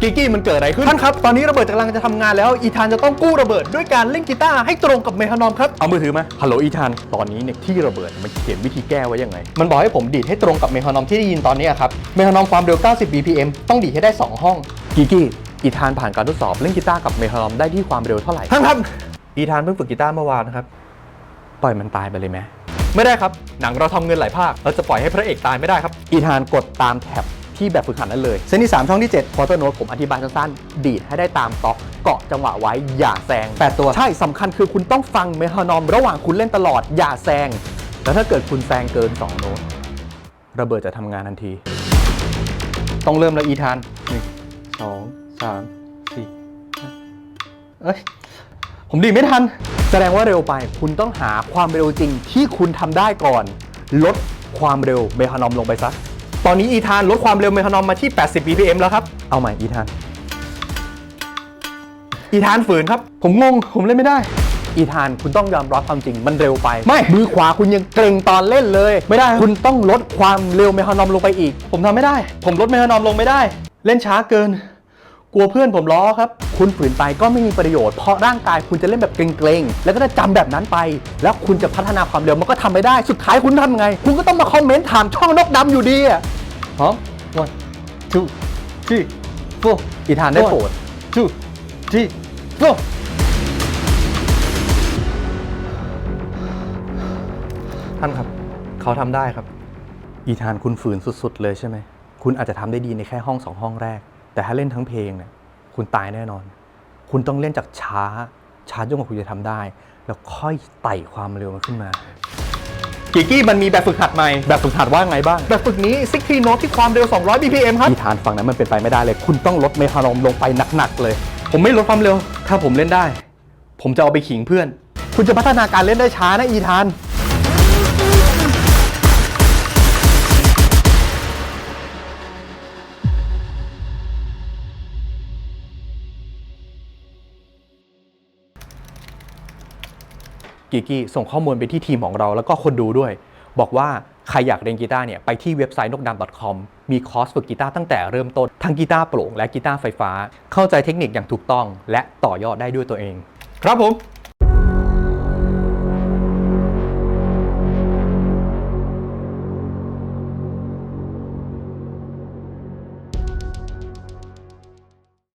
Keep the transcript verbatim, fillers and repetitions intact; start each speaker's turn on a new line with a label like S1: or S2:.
S1: กิกกี้มันเกิดอะไรขึ้นท่านครับตอนนี้ระเบิดกำลังจะทำงานแล้วอีธานจะต้องกู้ระเบิดด้วยการเล่นกีตาร์ให้ตรงกับเมทานอมครับเอามือถือมาฮัลโหลอีธานตอนนี้เนี่ยที่ระเบิดมันเขียนวิธีแก้ไว้ยังไงมันบอกให้ผมดีดให้ตรงกับเมทานอมที่ได้ยินตอนนี้ครับเมทานอมความเร็วเก้าสิบ บี พี เอ็ม ต้องดีดให้ได้สองห้องกิกกี้อีธานผ่านการทดสอบเล่นกีตาร์กับเมทานอมได้ที่ความเร็วเท่าไหร่ท่านครับอีธานเพิ่งฝึกกีตาร์เมื่อวานนะครับปล่อยมันตายไปเลยไหมไม่ได้ครับหนังเราทำเงินหลายภาคเราจะปล่อยให้พระเอกตายไม่ได้ครับอีธานกดตามแท็บที่แบบฝึกหัดนั้นเลยเส้นที่สามช่องที่เจ็ดควอเตอร์โน้ตผมอธิบายสั้นๆดีดให้ได้ตามต็อกเกาะจังหวะไว้อย่าแซงแปดตัวใช่สำคัญคือคุณต้องฟังเมทานอมระหว่างคุณเล่นตลอดอย่าแซงแล้วถ้าเกิดคุณแซงเกินสองโน้ตระเบิดจะทำงานทันทีต้องเริ่มแล้วอีธานหนึ่งสองสามสี่เอ้ยผมดีไม่ทันแสดงว่าเร็วไปคุณต้องหาความเร็วจริงที่คุณทำได้ก่อนลดความเร็วเมทานอมลงไปซะตอนนี้อีธานลดความเร็วเมทานอมมาที่แปดสิบ บี พี เอ็ม แล้วครับเอาใหม่อีธานอีธานฝืนครับผมงงผมเล่นไม่ได้อีธานคุณต้องยอมรับความจริงมันเร็วไปไม่มือขวาคุณยังเกร็งตอนเล่นเลยไม่ได้คุณต้องลดความเร็วเมทานอมลงไปอีกผมทำไม่ได้ผมลดเมทานอมลงไม่ได้เล่นช้าเกินกลัวเพื่อนผมล้อครับคุณฝืนไปก็ไม่มีประโยชน์เพราะร่างกายคุณจะเล่นแบบเกรงๆแล้วก็จะจำแบบนั้นไปแล้วคุณจะพัฒนาความเร็วมันก็ทำไม่ได้สุดท้ายคุณทำไงคุณก็ต้องมาคอมเมนต์ถามช่องนกดำอยู่ดีอ่ะพร้อม one two three four อีธานได้โปรด two three four ท่านครับเขาทำได้ครับอีธานคุณฝืนสุดๆเลยใช่ไหมคุณอาจจะทำได้ดีในแค่ห้องสองห้องแรกแต่ถ้าเล่นทั้งเพลงเนี่ยคุณตายแน่นอนคุณต้องเล่นจากช้าช้าจนกว่าคุณจะทำได้แล้วค่อยไต่ความเร็วมันขึ้นมากิกกี้มันมีแบบฝึกหัดใหม่แบบฝึกหัดว่าไงบ้างแบบฝึกนี้ซิกทีโน้ตที่ความเร็วสองร้อย บี พี เอ็ม ครับอีธานฝั่งนั้นมันเป็นไปไม่ได้เลยคุณต้องลดเมทานอมลงไปหนักๆเลยผมไม่ลดความเร็วถ้าผมเล่นได้ผมจะเอาไปขิงเพื่อนคุณจะพัฒนาการเล่นได้ช้านะอีธานกิกกี้ส่งข้อมูลไปที่ทีมของเราแล้วก็คนดูด้วยบอกว่าใครอยากเรียนกีตาร์เนี่ยไปที่เว็บไซต์นกดำ .com มีคอร์สฝึกกีตาร์ตั้งแต่เริ่มต้นทั้งกีตาร์โปร่งและกีตาร์ไฟฟ้าเข้าใจเทคนิคอย่างถูกต้องและต่อยอดได้ด้วยตัวเองครับผม